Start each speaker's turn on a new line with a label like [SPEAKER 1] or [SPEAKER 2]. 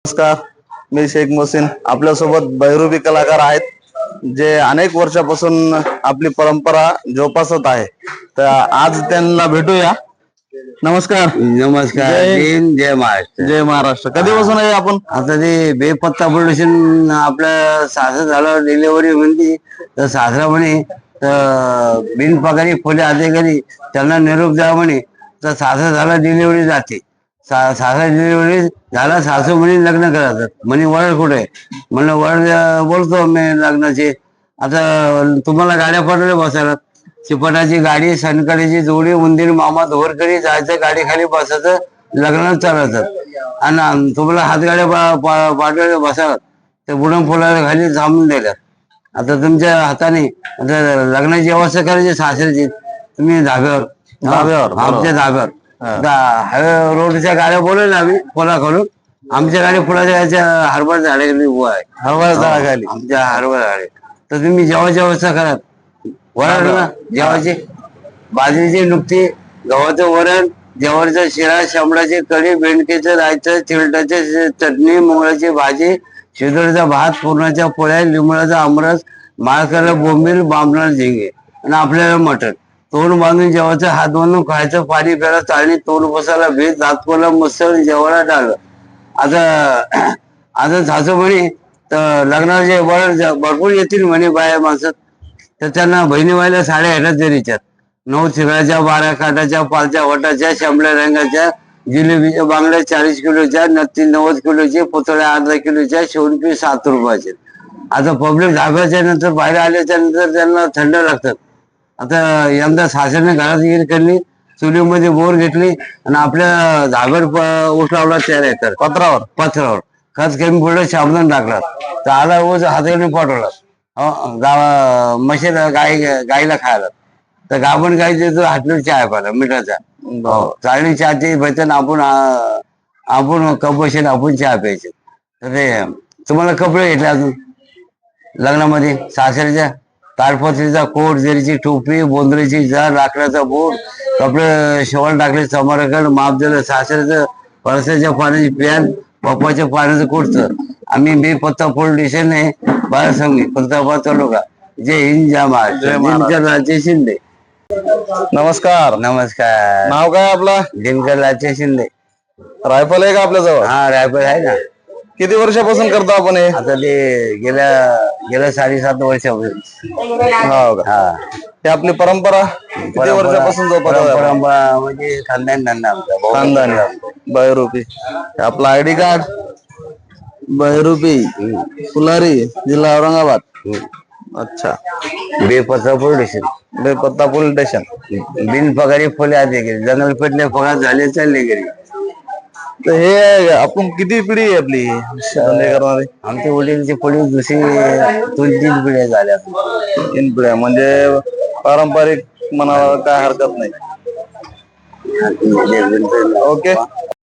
[SPEAKER 1] नमस्कार, मी शेख मोहसिन. आपल्यासोबत बहिरुबी कलाकार आहेत जे अनेक वर्षापासून आपली परंपरा जोपासत आहे. तर आज त्यांना भेटूया. नमस्कार.
[SPEAKER 2] नमस्कार. जय महाराष्ट्र.
[SPEAKER 1] जय महाराष्ट्र. कधीपासून आहे आपण?
[SPEAKER 2] आता ते बेपत्ता प्रोडक्शन आपल्या सासर झालं डिलिव्हरी म्हणते तर सासरा म्हणे तर बिनपगारी खोले अधिकारी त्यांना निरोप द्या म्हणे. तर सासर झाला डिलिव्हरी जाते. सासरा डिलिव्हरी झाला, सासू म्हणे लग्न करायचं म्हणे. वळ कुठे? म्हणलं वळ बोलतो मी लग्नाचे. आता तुम्हाला गाड्या पडल्या बसायला, चिपटाची गाडी, सनकडेची जोडी, उंदीर मामा धोरकडी जायचं, गाडी खाली बसायचं, लग्नात चालायचं. आणि तुम्हाला हातगाड्या पाठवल्या बसायला ते बुडून फुलाला खाली थांबून द्यायला. आता तुमच्या हाताने आता लग्नाची व्यवस्था करायची सासऱ्याची, तुम्ही धाब्यावर आमच्या धाब्यावर हायवे रोडच्या गाड्या बोलवल्या आम्ही पोला खालून. आमच्या गाडी फुलाच्या गाड्या हरभरा झाडाखाली उभा आहे.
[SPEAKER 1] हरभरा झाडाखाली
[SPEAKER 2] आमच्या हरभरा झाडे. तर तुम्ही जेवायची व्यवस्था करा. वरण ना जेवायची, बाजरीची नुकती, गव्हाचं वरण, जेवारीचा शिरा, शांबळाची कढी, बेंडकेचं रायचं, चिलटाची चटणी, मुंगळाची भाजी, शिदोरीचा भात, पुरणाच्या पोळ्या, लिंबळाचा आमरस, माळकरला बोंबील, बांबला झिंगे आणि आपल्याला मटण. तोंड बांधून जेवायचं, हात बांधून खायचं, पाणी प्यायला, चाळणी तोंड बसायला, भीत दातकोला मस्त जेवायला टाळलं. आता सासू म्हणे तर लग्नाचे भरपूर येतील म्हणे बाया माणसं. तर त्यांना बहिणी व्हायला साड्या ह्याच्यात जरीच्यात 9 चिगळाच्या, 12 काटाच्या, 5 वटाच्या, शांबळ्या रंगाच्या, जिलेबीच्या बांगड्या 40 किलोच्या, नत्ती 90 किलोची, पुतळ्या अर्धा किलोच्या, शेवणपी 7 रुपयाचे. आता पब्लिक धाब्याच्या नंतर बाहेर आल्याच्या नंतर त्यांना थंड लागतात. आता यंदा सासऱ्याने घरात गिर करली, चुलीमध्ये बोर घेतली आणि आपल्या धाब्यावर ऊस लावला 4 एकर पत्रावर खत कमी पडलं, साबण टाकला, तर आला ऊस हाताने पाठवला म्हशीला गाईला खायला. तर गाभण गाई देतो हाटलीवर चहा प्यायला मिठाचा. चाळणी चहाची भेटन, आपण कप बसेल, आपण चहा प्यायचे. तर ते तुम्हाला कपडे घेतले अजून लग्नामध्ये सासऱ्याच्या ताडपत्रीचा कोट, जरीची टोपी, बोंद्रीची जार, लाकडाचा बोट, कपडे शेवण टाकले, समारकड माप दिलं. सासऱ्याचं पळसाच्या पाण्याची पॅन, पप्पाच्या पाण्याचं कुर्तं. आम्ही बेपत्ता पोलीस स्टेशन आहे, बाळासंगी खुलताबाद तालुका. जय हिंद, जय महाराष्ट्र. राजे शिंदे.
[SPEAKER 1] नमस्कार.
[SPEAKER 2] नमस्कार.
[SPEAKER 1] नाव काय आपलं?
[SPEAKER 2] दिनकर राजे शिंदे.
[SPEAKER 1] रायफल आहे का आपल्या जवळ?
[SPEAKER 2] हा रायफल आहे ना.
[SPEAKER 1] किती वर्षापासून करतो आपण हे?
[SPEAKER 2] आता ते गेल्या 7.5 वर्षापासून.
[SPEAKER 1] हो का?
[SPEAKER 2] हा,
[SPEAKER 1] हे आपली परंपरा किती वर्षापासून जोपासत?
[SPEAKER 2] परंपरा म्हणजे खानदान धंदा आमचा.
[SPEAKER 1] खानदानी बहिरुपी. आपला आयडी कार्ड बहिरुपी फुलारी, जिल्हा औरंगाबाद. अच्छा.
[SPEAKER 2] बेपत्ता प्रोडक्शन,
[SPEAKER 1] बेपत्ता पोलीस स्टेशन.
[SPEAKER 2] बिनपगारी फुले आधी गेली, जंगल पेटले, पगार झाले, चालले गेली.
[SPEAKER 1] तर हे आपण किती पिढी आहे आपली धंदे करणारी?
[SPEAKER 2] आमच्या वडीलची पिढी दुसरी 2-3 पिढ्या झाल्या.
[SPEAKER 1] 3 पिढ्या म्हणजे पारंपरिक म्हणाला काय हरकत नाही. ओके.